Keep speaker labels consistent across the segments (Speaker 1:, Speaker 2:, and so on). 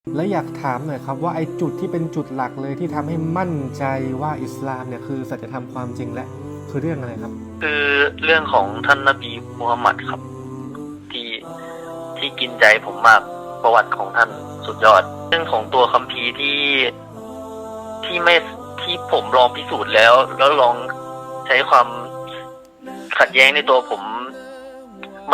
Speaker 1: แล้วอยากถามหน่อยครับว่าไอ้จุดที่เป็นจุดหลักเลยที่ทำให้มั่นใจว่าอิสลามเนี่ยคือสัจธรรมความจริงและคือเรื่องอะไรครับ
Speaker 2: คือเรื่องของท่านนบีมูฮัมหมัดครับที่ที่กินใจผมมากประวัติของท่านสุดยอดเรื่องของตัวคัมภีร์ที่ไม่ที่ผมลองพิสูจน์แล้วลองใช้ความขัดแย้งในตัวผมมัน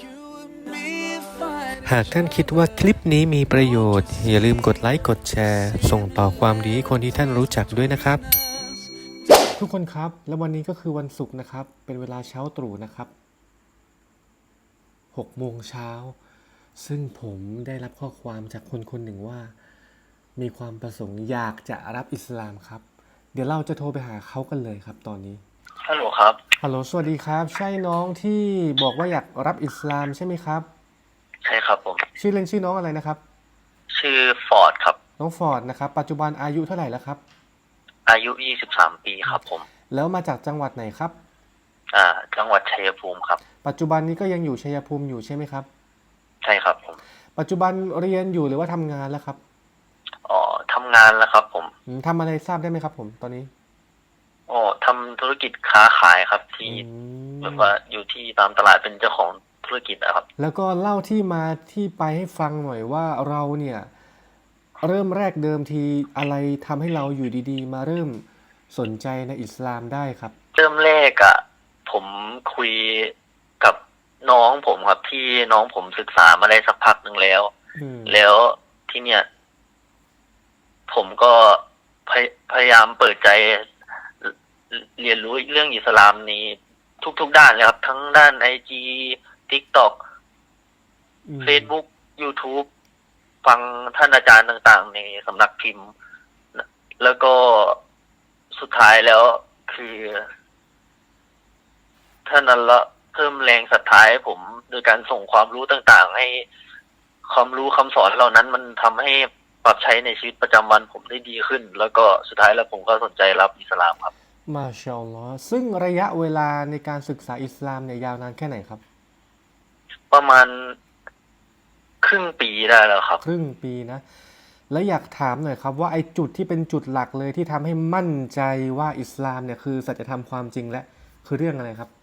Speaker 1: หากท่านคิดว่าคลิปนี้มีประโยชน์อย่าลืมกดไลค์กดแชร์ส่งต่อความดีให้คนที่ท่านรู้จักด้วยนะครับทุกคนครับและวันนี้ก็คือวันศุกร์นะครับเป็นเวลาเช้าตรู่นะครับ6 โมงเช้าซึ่งผมได้รับข้อความจากคนคนหนึ่งว่ามีความประสงค์อยากจะรับอิสลามครับเดี๋ยวเราจะโทรไปหาเขากันเลยครับตอนนี้
Speaker 2: ฮัลโหลครับ
Speaker 1: ฮัลโหลสวัสดีครับใช่น้องที่บอกว่าอยากรับอิสลามใช่ไหมครับ
Speaker 2: ใช่ครับผม
Speaker 1: ชื่อเล่นชื่อน้องอะไรนะครับ
Speaker 2: ชื่อฟอร์ดครับ
Speaker 1: น้องฟอร์ดนะครับปัจจุบันอายุเท่าไหร่แล้วครับ
Speaker 2: อายุ23 ปีครับผม
Speaker 1: แล้วมาจากจังหวัดไหนครับ
Speaker 2: จังหวัดชัยภูมิครับ
Speaker 1: ปัจจุบันนี้ก็ยังอยู่ชัยภูมิอยู่ใช่ไหมครับ
Speaker 2: ใช่ครับผม
Speaker 1: ปัจจุบันเรียนอยู่หรือว่าทำงานแล้วครับ
Speaker 2: อ๋อทำงานแล้วครับผม
Speaker 1: ทำอะไรทราบได้ไหมครับผมตอนนี้
Speaker 2: อ๋อทำธุรกิจค้าขายครับที่แบบว่าอยู่ที่ตามตลาดเป็นเจ้าของธุรกิจนะครับ
Speaker 1: แล้วก็เล่าที่มาที่ไปให้ฟังหน่อยว่าเราเนี่ยเริ่มแรกเดิมทีอะไรทำให้เราอยู่ดีๆมาเริ่มสนใจในอิสลามได้ครับ
Speaker 2: เริ่มแรกผมคุยกับน้องผมครับที่น้องผมศึกษามาได้สักพักหนึ่งแล้วแล้วที่เนี่ยผมก็พยายามเปิดใจเรียนรู้เรื่องอิสลามนี้ทุกด้านเลยครับทั้งด้าน IG TikTok Facebook YouTube ฟังท่านอาจารย์ต่างๆในสำนักพิมพ์แล้วก็สุดท้ายแล้วคือท่านอัลเลาะห์เพิ่มแรงศรัทธาให้ผมโดยการส่งความรู้ต่างๆให้ความรู้คำสอนเหล่านั้นมันทำให้ปรับใช้ในชีวิตประจำวันผมได้ดีขึ้นแล้วก็สุดท้ายแล้วผมก็สนใจรับอิสลามครับ
Speaker 1: มาชาอัลลอฮ์ซึ่งระยะเวลาในการศึกษาอิสลามเนี่ยยาวนานแค่ไหนครับ
Speaker 2: ประมาณครึ่งปีได้แล้วครับ
Speaker 1: ครึ่งปีนะแล้วอยากถามหน่อยครับว่าไอ้จุดที่เป็นจุดหลักเลยที่ทำให้มั่นใจว่าอิสลามเนี่ยคือสัจธรรมความจริงและคือเรื่องอะไรครับ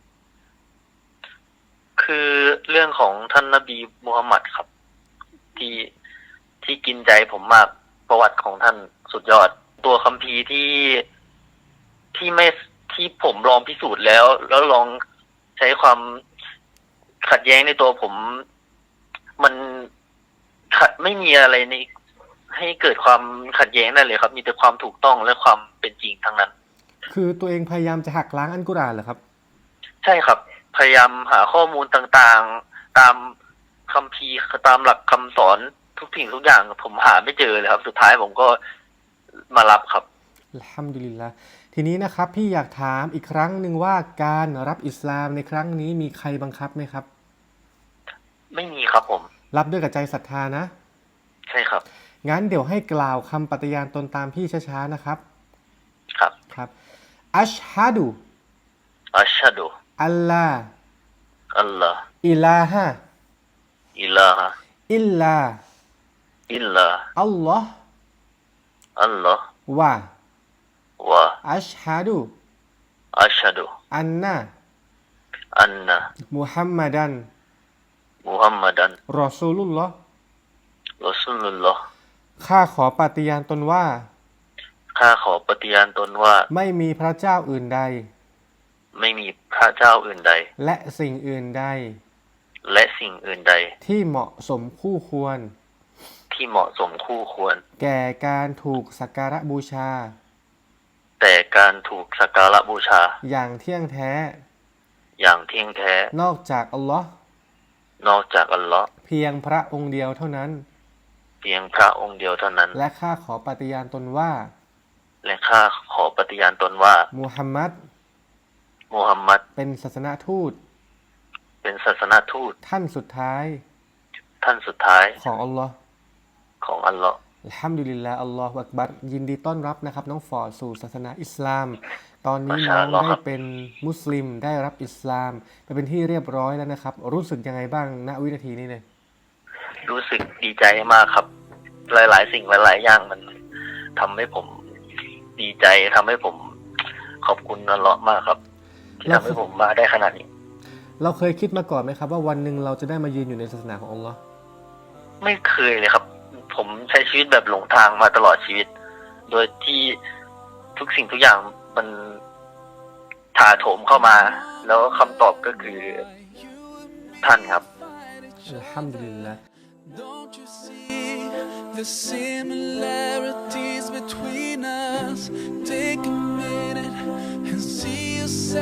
Speaker 2: คือเรื่องของท่านนบีมูฮัมหมัดครับที่ที่กินใจผมมากประวัติของท่านสุดยอดตัวคัมภีร์ที่ไม่ที่ผมลองพิสูจน์แล้วลองใช้ความขัดแย้งในตัวผมมันไม่มีอะไรในให้เกิดความขัดแย้งนั่นเลยครับมีแต่ความถูกต้องและความเป็นจริงทั้งนั้น
Speaker 1: คือตัวเองพยายามจะหักล้างอัลกุรอานเหรอครับ
Speaker 2: ใช่ครับพยายามหาข้อมูลต่างๆตามคัมภีร์ตามหลักคำสอนทุกสิ่งทุกอย่างผมหาไม่เจอเลยครับสุดท้ายผมก็มารับครับ
Speaker 1: อัลฮัมดุลิลละห์ทีนี้นะครับพี่อยากถามอีกครั้งหนึ่งว่าการรับอิสลามในครั้งนี้มีใครบังคับไหมครับ
Speaker 2: ไม่มีครับผม
Speaker 1: รับด้วยกับใจศรัทธานะ
Speaker 2: ใช่ครับ
Speaker 1: งั้นเดี๋ยวให้กล่าวคำปฏิญาณตนตามพี่ช้าๆนะครับ
Speaker 2: ครับ
Speaker 1: ครับอัชฮะดุ
Speaker 2: อัชฮะดุ
Speaker 1: อัลลา
Speaker 2: อัลลอฮ์
Speaker 1: อิลาฮะ
Speaker 2: อิลาฮะ
Speaker 1: อิลลา
Speaker 2: อิลลา
Speaker 1: อัลลอฮ์
Speaker 2: อัลลอฮ์
Speaker 1: วะ
Speaker 2: วะ
Speaker 1: อัชฮะดุ
Speaker 2: อัชฮะดุ
Speaker 1: อันนะ
Speaker 2: อันนะ
Speaker 1: มุฮัมมัดัน
Speaker 2: มุฮัมมัดัน
Speaker 1: รอซูลุลลอฮ์
Speaker 2: รอซูลุลลอฮ์
Speaker 1: ข้าขอปฏิญาณตนว่า
Speaker 2: ข้าขอปฏิญาณตนว่า
Speaker 1: ไม่มีพระเจ้าอื่นใด
Speaker 2: ไม่มีพระเจ้าอื่นใด
Speaker 1: และสิ่งอื่นใด
Speaker 2: และสิ่งอื่นใด
Speaker 1: ที่เหมาะสมคู่ควร
Speaker 2: ที่เหมาะสมคู่ควร
Speaker 1: แก่การถูกสักการะบูชา
Speaker 2: แต่การถูกสักการะบูชา
Speaker 1: อย่างเที่ยงแท้
Speaker 2: อย่างเที่ยงแท้
Speaker 1: นอกจากอัลลอฮ์
Speaker 2: นอกจากอัลลอฮ์
Speaker 1: เพียงพระองค์เดียวเท่านั้น
Speaker 2: เพียงพระองค์เดียวเท่านั้น
Speaker 1: และข้าขอปฏิญาณตนว่า
Speaker 2: และข้าขอปฏิญาณตนว่า
Speaker 1: มุฮัมมัดเป็นศาสนทูต
Speaker 2: เป็นศาสนทูต
Speaker 1: ท่านสุดท้าย
Speaker 2: ของ
Speaker 1: อัลลอฮ์
Speaker 2: ของอัลลอฮ์
Speaker 1: อัลฮัมดุลิลลาห์อัลลอฮฺอักบัรยินดีต้อนรับนะครับน้องฟอร์ดสู่ศาสนาอิสลามตอนนี้น้องได้เป็นมุสลิมได้รับอิสลามไปเป็นที่เรียบร้อยแล้วนะครับรู้สึกยังไงบ้างณวินาทีนี้เลย
Speaker 2: รู้สึกดีใจมากครับหลายๆสิ่งหลายๆอย่างมันทำให้ผมดีใจทำให้ผมขอบคุณอัลเลาะห์มากครับที่ทำให้ผมมาได้ขนาดนี้
Speaker 1: เราเคยคิดมาก่อนไหมครับว่าวันหนึ่งเราจะได้มายืนอยู่ในศาสนาของอัลลอฮ์
Speaker 2: ไม่เคยเลยครับ ผมใช้ชีวิตแบบหลงทางมาตลอดชีวิต โดยที่ทุกสิ่งทุกอย่างมันถาโถมเข้ามา แล้วคำตอบก็คือท่านครับ
Speaker 1: อัลฮัมดุลิลละ
Speaker 3: Don't you see the similarities between us? Take a minute and see yourself.